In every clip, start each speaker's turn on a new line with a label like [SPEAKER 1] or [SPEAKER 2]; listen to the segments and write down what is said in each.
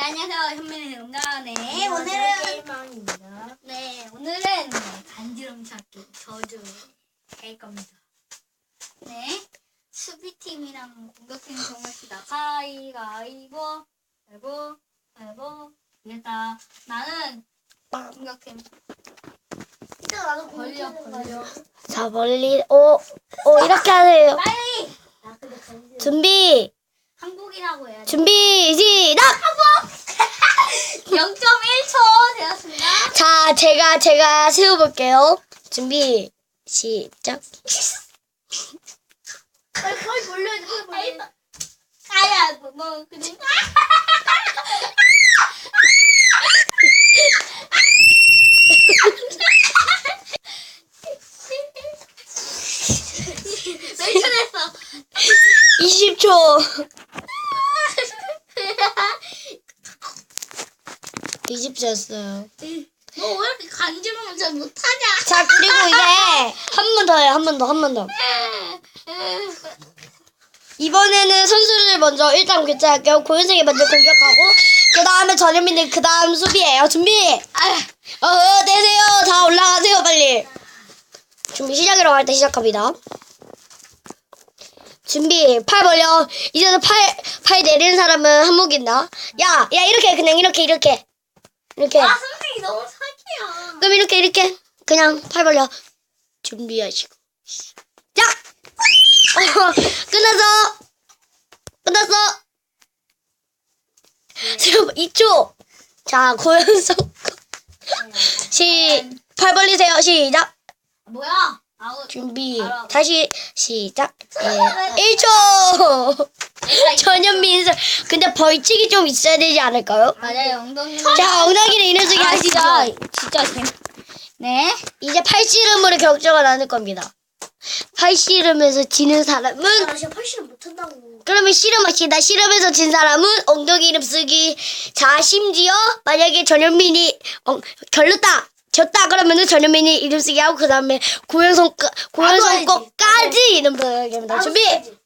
[SPEAKER 1] 안녕하세요. 현민의 응가네. 오늘은 간지럼 찾기 저주 할 겁니다. 네, 수비팀이랑 공격팀 정합시다. 가위바위보, 가위바위보. 이겼다. 나는 공격팀.
[SPEAKER 2] 나도
[SPEAKER 1] 벌려.
[SPEAKER 2] 자, 멀리, 이렇게 하세요.
[SPEAKER 1] 빨리.
[SPEAKER 2] 준비,
[SPEAKER 1] 항복이라고 해야지.
[SPEAKER 2] 준비, 시작!
[SPEAKER 1] 0.1초 되었습니다.
[SPEAKER 2] 자, 제가 세워볼게요. 준비, 시작.
[SPEAKER 1] 거의 돌려야 돼. 아야, 뭐 그냥. 몇 초 됐어?
[SPEAKER 2] 20초. 20초였어요.
[SPEAKER 1] 너 왜 이렇게 간지러면 잘 못하냐?
[SPEAKER 2] 자, 그리고 이제 한 번 더요. 한 번 더. 이번에는 선수를 먼저 일단 교체할게요. 고현승이 먼저 공격하고 그 다음에 전현민이 그 다음 수비예요. 준비. 내세요. 다 올라가세요 빨리. 준비 시작이라고 할 때 시작합니다. 준비. 팔 벌려. 이제는 팔 내리는 사람은 한목 있나? 야 이렇게 그냥 이렇게.
[SPEAKER 1] 아, 선생님 너무 사기야.
[SPEAKER 2] 그럼 이렇게 그냥 팔 벌려. 준비하시고 시작. 끝났어. 지금 2초. 자, 고현성. 팔 벌리세요. 시작.
[SPEAKER 1] 뭐야? 아웃.
[SPEAKER 2] 준비.
[SPEAKER 1] 알아.
[SPEAKER 2] 다시 시작. 1초. 전현민. 근데 벌칙이 좀 있어야 되지 않을까요?
[SPEAKER 1] 맞아요. 엉덩이.
[SPEAKER 2] 자, 엉덩이를 이어주기 하시죠.
[SPEAKER 1] 진짜 네.
[SPEAKER 2] 이제 팔씨름으로 결정을 나눌 겁니다. 팔씨름에서 지는 사람은
[SPEAKER 1] 나 진짜 팔씨름 못한다고.
[SPEAKER 2] 그러면 씨름합시다. 씨름에서 진 사람은 엉덩이 이름 쓰기. 자, 심지어 만약에 전현민이 졌다 그러면은 전현민이 이름 쓰기 하고 그 다음에 고현성 거까지 이름 쓰기입니다. 준비.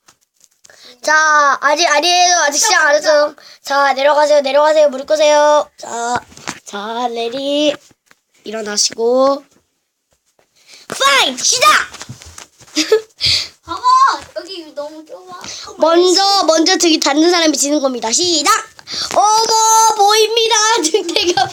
[SPEAKER 2] 자, 아직 아니에요. 아직 시작 안 했어요. 자, 내려가세요. 무릎 꿇으세요. 자, 레디. 일어나시고. 파이! 시작!
[SPEAKER 1] 봐봐. 여기 너무 좁아.
[SPEAKER 2] 먼저 등이 닿는 사람이 지는 겁니다. 시작! 어머, 보입니다. 등대가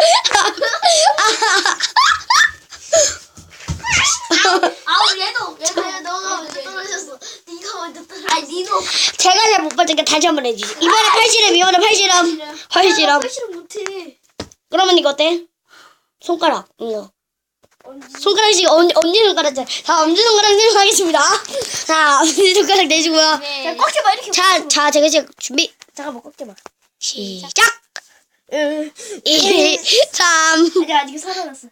[SPEAKER 1] 아우 얘도 너가 먼저 떨어졌어. 네가 먼저 떨어졌어. 아니 니도.
[SPEAKER 2] 제가 잘 못 봤으니까 다시 한번 해주지. 이번에 팔씨름.
[SPEAKER 1] 팔씨름 못해.
[SPEAKER 2] 그러면 이거 어때? 손가락. 이거. 손가락씩 엄지 손가락. 자, 엄지 손가락 내려가겠습니다. 자, 엄지 손가락 내시고요.
[SPEAKER 1] 네.
[SPEAKER 2] 꽉 잡아 이렇게. 자, 제가 지금 준비.
[SPEAKER 1] 잠깐만 꽉 잡아.
[SPEAKER 2] 시작. 1, 3.
[SPEAKER 1] 아직 살아났어.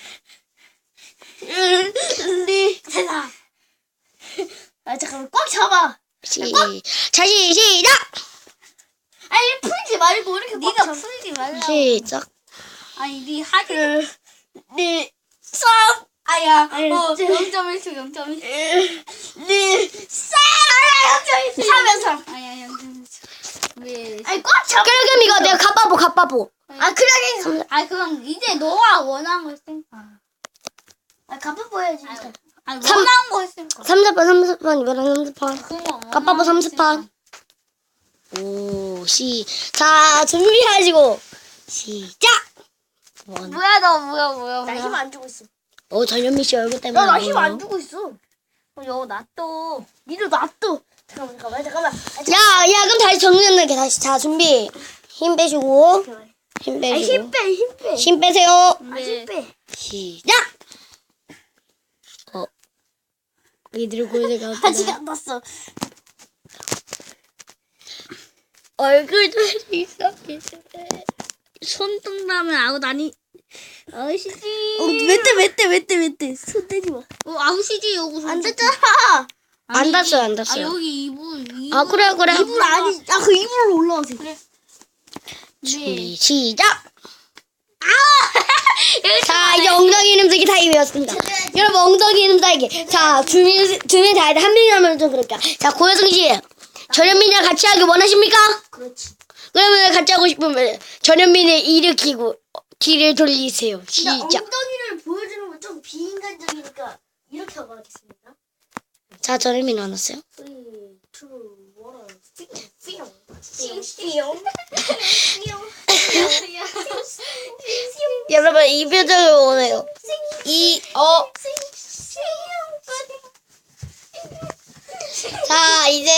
[SPEAKER 2] 2.
[SPEAKER 1] 세상. 아 잠깐만 꽉 잡아.
[SPEAKER 2] 다시 시작.
[SPEAKER 1] 아니 풀지 말고 이렇게 네가 풀지 말라.
[SPEAKER 2] 시작.
[SPEAKER 1] 아니 네 하기.
[SPEAKER 2] 2,
[SPEAKER 1] 3. 아야.
[SPEAKER 2] 아니,
[SPEAKER 1] 0.1초 0.1.
[SPEAKER 2] 2,
[SPEAKER 1] 0.1초. 3. 아야 0.1초. 왜? 아니 꽉 잡아.
[SPEAKER 2] 그럼 이거 내가 갑바보.
[SPEAKER 1] 아 그래. 아 그럼 이제 너가 원하는 거 했으니까. 아 갑바보 해야지. 아니 원하는 거 했으니까.
[SPEAKER 2] 30판 이번엔 30판. 갑바보 30판. 오, 자, 준비하시고 시작.
[SPEAKER 1] 뭐야 너 뭐야.
[SPEAKER 2] 나 힘 안 주고 있어. 전현민 씨 얼굴 때문에.
[SPEAKER 1] 나 힘 안 주고 있어. 여 놔둬. 니도 놔둬. 잠깐만.
[SPEAKER 2] 야, 그럼 다시 정리할게. 다시. 자, 준비. 힘 빼시고. 힘 빼시고.
[SPEAKER 1] 힘 빼.
[SPEAKER 2] 힘 빼세요.
[SPEAKER 1] 힘 빼.
[SPEAKER 2] 시작. 이들 고제가
[SPEAKER 1] 아직 안 났어.
[SPEAKER 2] 얼굴도 있어.
[SPEAKER 1] 손등라면 아웃 아니. 아웃이지.
[SPEAKER 2] 왜 손 떼지 마.
[SPEAKER 1] 아웃이지 요거.
[SPEAKER 2] 안 됐잖아. 안 닿았어요.
[SPEAKER 1] 아 여기 이불.
[SPEAKER 2] 아, 그래.
[SPEAKER 1] 이불 아니. 그 이불로 올라오세요. 그래.
[SPEAKER 2] 준비 시작. 자, 이제 엉덩이 이름 쓰기 타임이었습니다. 여러분, 엉덩이 이름 따기. 자, 두 명 다 해야 한 명이 하면 좀 그럴게요. 자, 고효승 씨, 전현민이랑 같이 하기 원하십니까?
[SPEAKER 1] 그렇지.
[SPEAKER 2] 그러면 같이 하고 싶으면 전현민을 일으키고 뒤를 돌리세요.
[SPEAKER 3] 근데
[SPEAKER 2] 시작.
[SPEAKER 3] 엉덩이를 보여주는 건 좀 비인간적이니까 이렇게 하고 하겠습니다.
[SPEAKER 2] 자, 전현민 나눴어요.
[SPEAKER 3] 3, 2, 1,
[SPEAKER 2] 여러분 이 표정을 원해요. 자 이제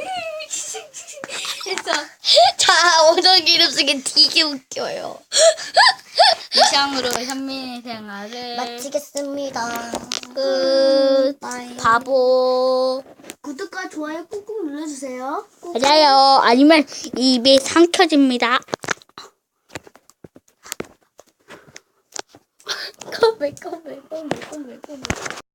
[SPEAKER 2] 자 엉덩이 이름 쓰기 되게 웃겨요.
[SPEAKER 1] 이상으로 현민의 생활을
[SPEAKER 2] 마치겠습니다.
[SPEAKER 1] 끝. 바보.
[SPEAKER 3] 구독과 좋아요 꾹꾹 눌러주세요.
[SPEAKER 1] 맞아요. 아니면 입에 상 켜집니다.
[SPEAKER 2] 컴백.